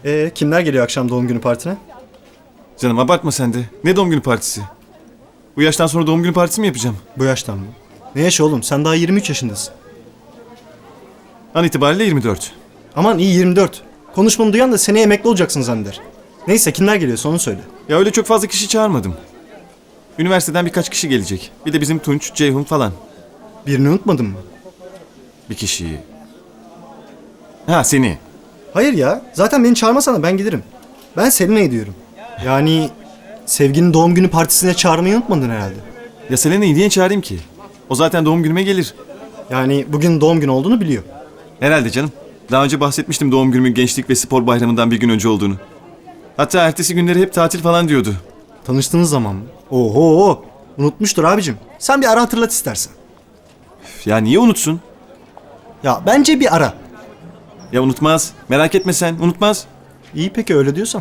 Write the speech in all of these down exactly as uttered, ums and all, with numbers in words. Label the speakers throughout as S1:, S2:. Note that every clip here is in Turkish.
S1: Ee, kimler geliyor akşam doğum günü partine?
S2: Canım abartma sen de. Ne doğum günü partisi? Bu yaştan sonra doğum günü partisi mi yapacağım?
S1: Bu yaştan mı? Ne yaşı oğlum? Sen daha yirmi üç yaşındasın.
S2: An itibariyle yirmi dört.
S1: Aman iyi yirmi dört. Konuşmamı duyan da seneye emekli olacaksın zanneder. Neyse kimler geliyorsa onu söyle.
S2: Ya öyle çok fazla kişi çağırmadım. Üniversiteden birkaç kişi gelecek. Bir de bizim Tunç, Ceyhun falan.
S1: Birini unutmadın mı?
S2: Bir kişiyi. Ha seni.
S1: Hayır ya. Zaten beni çağırmasana ben giderim. Ben Selena'yı diyorum. Yani Sevgi'nin doğum günü partisine çağırmayı unutmadın herhalde.
S2: Ya Selena'yı niye çağırayım ki? O zaten doğum günüme gelir.
S1: Yani bugün doğum günü olduğunu biliyor.
S2: Herhalde canım. Daha önce bahsetmiştim doğum günümün gençlik ve spor bayramından bir gün önce olduğunu. Hatta ertesi günleri hep tatil falan diyordu.
S1: Tanıştığınız zaman mı? Oho! Unutmuştur abicim. Sen bir ara hatırlat istersen.
S2: Üf, ya niye unutsun?
S1: Ya bence bir ara.
S2: Ya unutmaz. Merak etme sen. Unutmaz.
S1: İyi peki öyle diyorsan.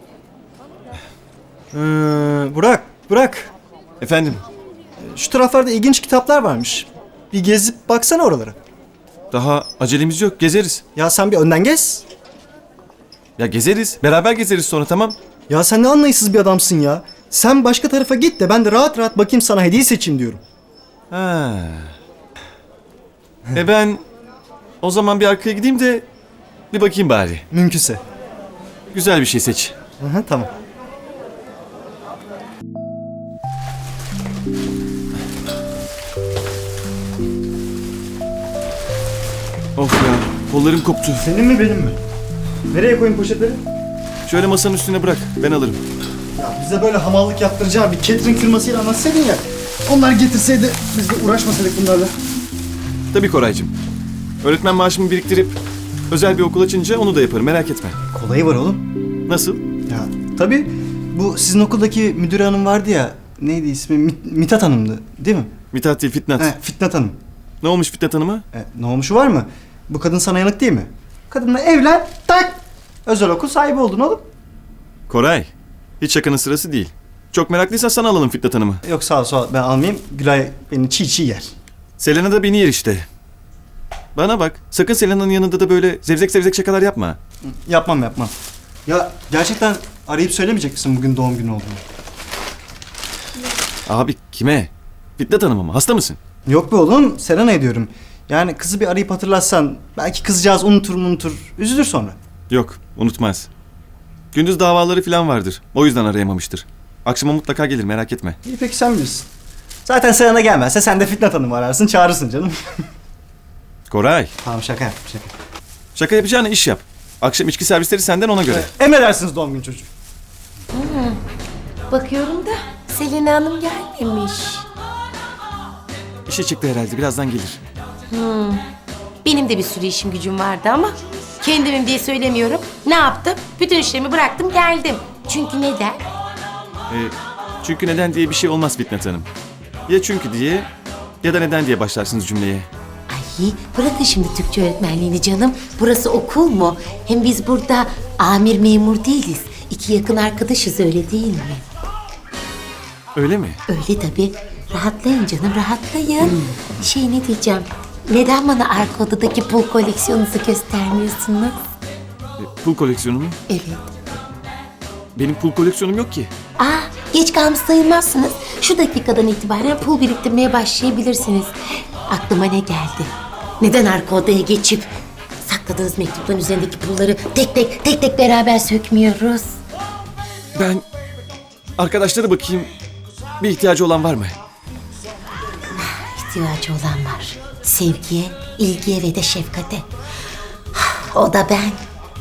S1: Ee, Burak, Burak.
S2: Efendim?
S1: Şu taraflarda ilginç kitaplar varmış. Bir gezip baksana oralara.
S2: Daha acelemiz yok. Gezeriz.
S1: Ya sen bir önden gez.
S2: Ya gezeriz. Beraber gezeriz sonra, tamam.
S1: Ya sen ne anlayışsız bir adamsın ya. Sen başka tarafa git de ben de rahat rahat bakayım sana hediye seçeyim diyorum.
S2: Ha. E ben o zaman bir arkaya gideyim de bir bakayım bari.
S1: Mümkünse.
S2: Güzel bir şey seç.
S1: Hı hı, tamam.
S2: Of ya. Kollarım koptu.
S1: Senin mi benim mi? Nereye koyayım poşetleri?
S2: Şöyle masanın üstüne bırak. Ben alırım.
S1: Ya bize böyle hamallık yaptıracağım bir catering firmasıyla anlatsaydın ya. Onlar getirseydi biz de uğraşmasaydık bunlarla.
S2: Tabii Koraycığım. Öğretmen maaşımı biriktirip özel bir okul açınca onu da yaparım. Merak etme.
S1: Kolayı var oğlum.
S2: Nasıl?
S1: Ya tabii bu sizin okuldaki müdür hanım vardı ya. Neydi ismi? Mit- Mithat Hanım'dı değil mi?
S2: Mithat değil, Fitnat.
S1: He, Fitnat Hanım.
S2: Ne olmuş Fitnat Hanım'a?
S1: E, ne olmuşu var mı? Bu kadın sana yanık değil mi? Kadınla evlen, tak! Özel okul sahibi oldun oğlum.
S2: Koray. Hiç şakanın sırası değil. Çok meraklıysan sana alalım Fitnat Hanım'ı.
S1: Yok sağ ol sağ ol ben almayayım. Gülay beni çiğ çiğ yer.
S2: Selena da beni yer işte. Bana bak. Sakın Selena'nın yanında da böyle zevzek zevzek şakalar yapma.
S1: Yapmam yapmam. Ya gerçekten arayıp söylemeyecek misin bugün doğum günü olduğunu?
S2: Abi kime? Fitnat Hanım'a mı? Hasta mısın?
S1: Yok be oğlum Selena'ya diyorum. Yani kızı bir arayıp hatırlatsan belki kızcağız unutur unutur. Üzülür sonra.
S2: Yok, unutmaz. Gündüz davaları falan vardır. O yüzden arayamamıştır. Akşama mutlaka gelir, merak etme.
S1: İyi peki sen bilirsin. Zaten Selena gelmezse sen de Fitnat Hanım'ı ararsın çağırırsın canım.
S2: Koray,
S1: Tamam şaka yap şaka.
S2: şaka yapacağına iş yap. Akşam içki servisleri senden, ona göre.
S1: Emredersiniz doğum günü çocuğu.
S3: Bakıyorum da Selena Hanım gelmemiş.
S2: İşe çıktı herhalde, birazdan gelir.
S3: Benim de bir sürü işim gücüm vardı ama kendimim diye söylemiyorum. Ne yaptım? Bütün işlerimi bıraktım geldim. Çünkü neden?
S2: Ee, çünkü neden diye bir şey olmaz Fitnat Hanım. Ya çünkü diye ya da neden diye başlarsınız cümleye.
S3: Ay bırakın şimdi Türkçe öğretmenliğini canım. Burası okul mu? Hem biz burada amir memur değiliz. İki yakın arkadaşız öyle değil mi?
S2: Öyle mi?
S3: Öyle tabii. Rahatlayın canım rahatlayın. Şey ne diyeceğim? Neden bana arka odadaki pul koleksiyonunuzu göstermiyorsunuz?
S2: Ee, pul koleksiyonu mu?
S3: Evet.
S2: Benim pul koleksiyonum yok ki.
S3: Aa, geç kalmış sayılmazsınız. Şu dakikadan itibaren pul biriktirmeye başlayabilirsiniz. Aklıma ne geldi? Neden arka odaya geçip sakladığınız mektupların üzerindeki pulları tek tek tek tek beraber sökmüyoruz?
S2: Ben arkadaşlara bakayım. Bir ihtiyacı olan var mı?
S3: İhtiyacı olan var. Sevgiye, ilgiye ve de şefkate. O da ben.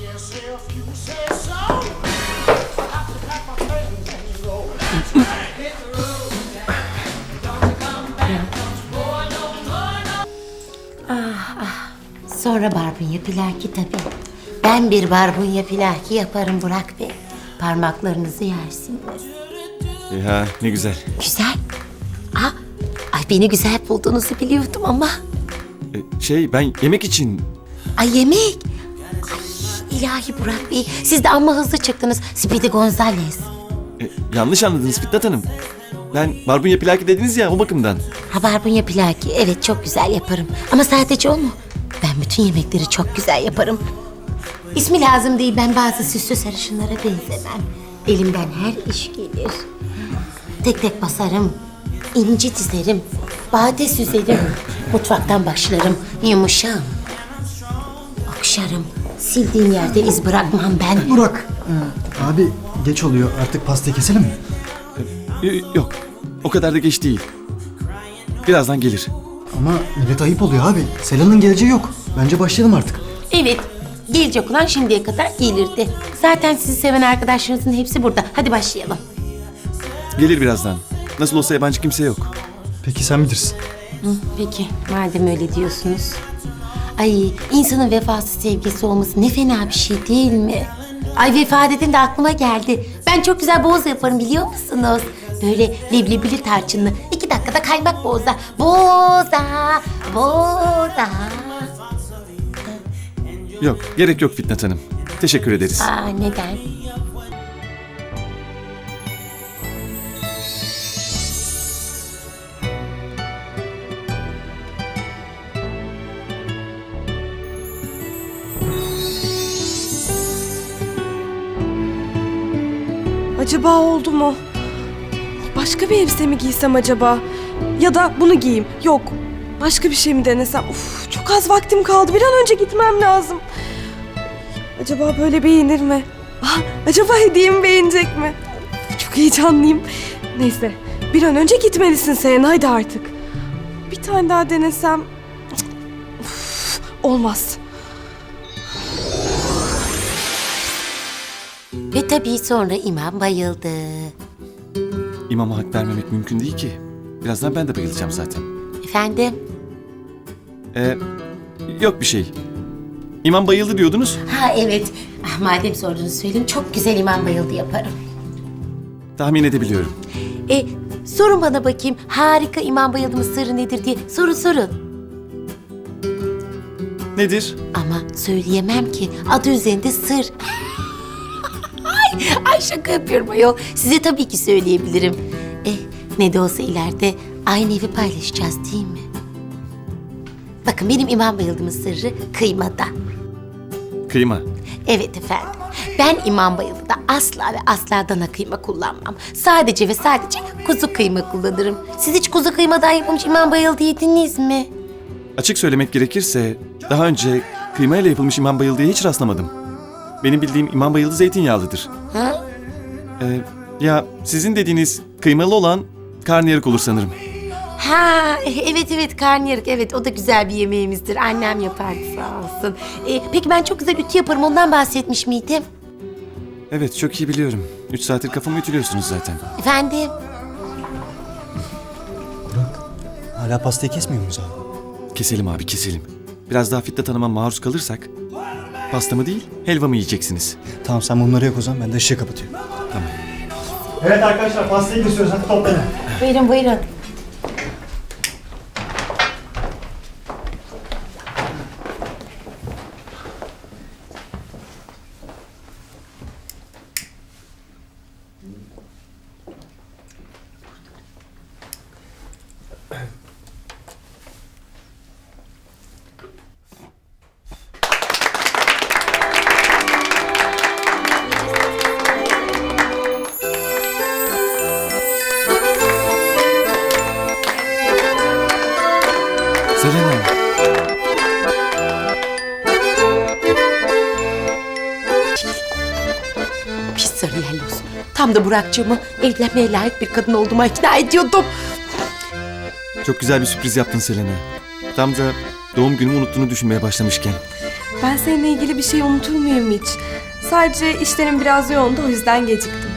S3: Sonra barbunya pilaki tabii. Ben bir barbunya pilaki yaparım Burak Bey. Parmaklarınızı yersiniz.
S2: Ya ne güzel.
S3: Güzel. Aa, ay beni güzel bulduğunuzu biliyordum ama.
S2: Ee, şey ben yemek için...
S3: Ay yemek. Ay ilahi Burak Bey. Siz de amma hızlı çıktınız. Speedy Gonzales.
S2: E, yanlış anladınız Fitnat Hanım. Ben barbunya plaki dediniz ya, o bakımdan.
S3: Ha barbunya pilaki. Evet çok güzel yaparım. Ama sadece o mu? Ben bütün yemekleri çok güzel yaparım. İsmi lazım değil, ben bazı süslü sarışınlara benzemem. Elimden her iş gelir. Tek tek basarım, inci dizerim, bade süzerim. Mutfaktan başlarım, yumuşağım. Okşarım, sildiğin yerde iz bırakmam ben.
S1: Burak. Abi geç oluyor. Artık pastayı keselim mi?
S2: Y- Yok. O kadar da geç değil. Birazdan gelir.
S1: Ama millet ayıp oluyor abi. Selena'nın geleceği yok. Bence başlayalım artık.
S3: Evet, gelecek olan şimdiye kadar gelirdi. Zaten sizi seven arkadaşlarınızın hepsi burada. Hadi başlayalım.
S2: Gelir birazdan. Nasıl olsa yabancı kimse yok.
S1: Peki sen bilirsin.
S3: Hı, peki, madem öyle diyorsunuz. Ay, insanın vefasız sevgisi olması ne fena bir şey değil mi? Ay, vefa dedin de aklıma geldi. Ben çok güzel boğaz yaparım, biliyor musunuz? Böyle leblebili tarçınlı. İki dakikada kaymak boğaza. Boğaza, boğaza.
S2: Yok, gerek yok Fitnat Hanım. Teşekkür ederiz.
S3: Aa, neden?
S4: Acaba oldu mu? Başka bir elbise mi giysem acaba? Ya da bunu giyeyim. Yok. Başka bir şey mi denesem? Uf, çok az vaktim kaldı. Bir an önce gitmem lazım. Acaba böyle beğenir mi? Ah, acaba hediyemi beğenecek mi? Uf, çok heyecanlıyım. Neyse. Bir an önce gitmelisin Selena. Haydi artık. Bir tane daha denesem... Uf, olmaz.
S3: Ve tabii sonra imam bayıldı.
S2: İmama hak vermemek mümkün değil ki. Birazdan ben de bayılacağım zaten.
S3: Efendim?
S2: Ee, yok bir şey. İmam bayıldı diyordunuz.
S3: Ha evet. Ah, madem sordunuz söyleyeyim. Çok güzel imam bayıldı yaparım.
S2: Tahmin edebiliyorum.
S3: E, sorun bana bakayım. Harika imam bayıldımın sırrı nedir diye. Sorun sorun.
S2: Nedir?
S3: Ama söyleyemem ki. Adı üzerinde sır. ay, ay şaka yapıyorum ayol. Size tabii ki söyleyebilirim. Eh, ne de olsa ileride aynı evi paylaşacağız değil mi? Bakın benim imam bayıldımın sırrı kıymada.
S2: Kıyma.
S3: Evet efendim. Ben imam bayıldıda asla ve asla dana kıyma kullanmam. Sadece ve sadece kuzu kıyma kullanırım. Siz hiç kuzu kıymadan yapılmış imam bayıldı yediniz mi?
S2: Açık söylemek gerekirse daha önce kıyma ile yapılmış imam bayıldıya hiç rastlamadım. Benim bildiğim imam bayıldı zeytinyağlıdır.
S3: Ha?
S2: Ee, ya sizin dediğiniz kıymalı olan karnıyarık olur sanırım.
S3: Ha, evet evet karnıyarık, evet o da güzel bir yemeğimizdir. Annem yapardı sağ olsun. Ee, peki ben çok güzel ütü yaparım, ondan bahsetmiş miydim?
S2: Evet, çok iyi biliyorum. Üç saattir kafamı ütülüyorsunuz zaten.
S3: Efendim?
S1: Burak. Hala pastayı kesmiyor muyuz abi?
S2: Keselim abi, keselim. Biraz daha Fitnat Hanım'a maruz kalırsak pastamı değil, helvamı yiyeceksiniz.
S1: Tamam sen bunları yak o zaman. Ben de ışığı kapatıyorum.
S2: Tamam.
S1: Evet arkadaşlar pastayı kesiyoruz. Hadi toplanın.
S3: Buyurun buyurun.
S2: Selena.
S3: Pis sarı yelloz. Tam da Burak'cığımı evlenmeye layık bir kadın olduğuma ikna ediyordum.
S2: Çok güzel bir sürpriz yaptın Selena. Tam da doğum günümü unuttuğunu düşünmeye başlamışken.
S4: Ben seninle ilgili bir şey unutur muyum hiç? Sadece işlerim biraz yoğundu, o yüzden geciktim.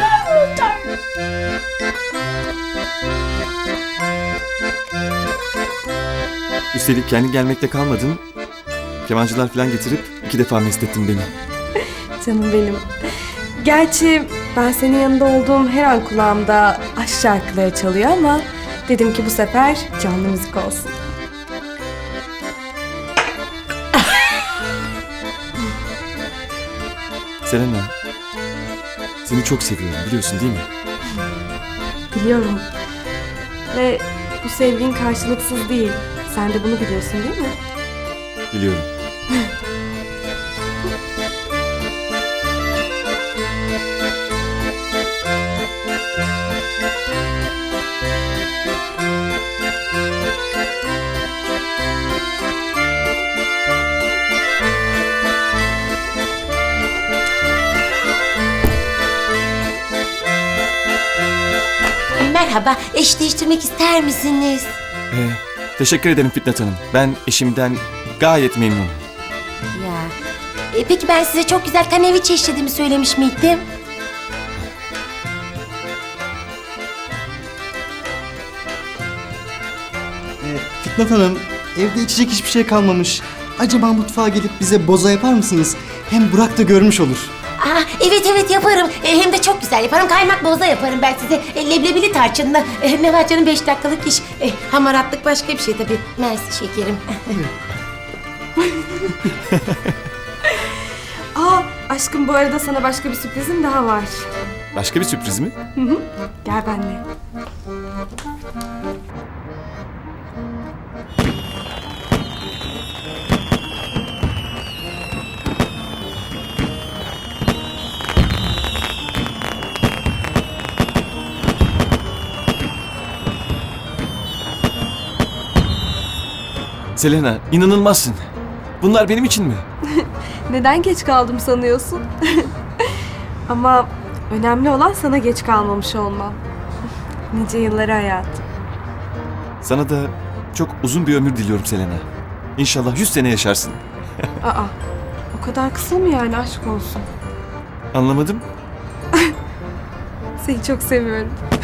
S2: Üstelik kendi gelmekte kalmadın. Kemancılar falan getirip iki defa mest ettin beni.
S4: Canım benim. Gerçi ben senin yanında olduğum her an kulağımda aşk şarkıları çalıyor ama dedim ki bu sefer canlı müzik olsun.
S2: Selena, seni çok seviyorum biliyorsun değil mi?
S4: Biliyorum. Ve bu sevgin karşılıksız değil. Sen de bunu biliyorsun değil mi?
S2: Biliyorum.
S3: Merhaba, eş değiştirmek ister misiniz?
S2: Ee, teşekkür ederim Fitnat Hanım. Ben eşimden gayet memnunum.
S3: Ya. E, peki ben size çok güzel kaneviçe işlediğimi söylemiş miydim?
S1: Ee, Fitnat Hanım, evde içecek hiçbir şey kalmamış. Acaba mutfağa gelip bize boza yapar mısınız? Hem Burak da görmüş olur.
S3: Aa, evet evet yaparım. E, hem de çok güzel yaparım. Kaymak boza yaparım ben size. E, leblebili tarçınla. E, ne var canım beş dakikalık iş. E, hamaratlık başka bir şey tabii. Mersi şekerim.
S4: Aa aşkım bu arada sana başka bir sürprizim daha var.
S2: Başka bir sürpriz mi?
S4: Gel benimle.
S2: Selena, inanılmazsın. Bunlar benim için mi?
S4: Neden geç kaldım sanıyorsun? Ama önemli olan sana geç kalmamış olmam. Nice yılları hayatım.
S2: Sana da çok uzun bir ömür diliyorum Selena. İnşallah yüz sene yaşarsın.
S4: Aa, o kadar kısa mı yani aşk olsun?
S2: Anlamadım.
S4: Seni çok seviyorum.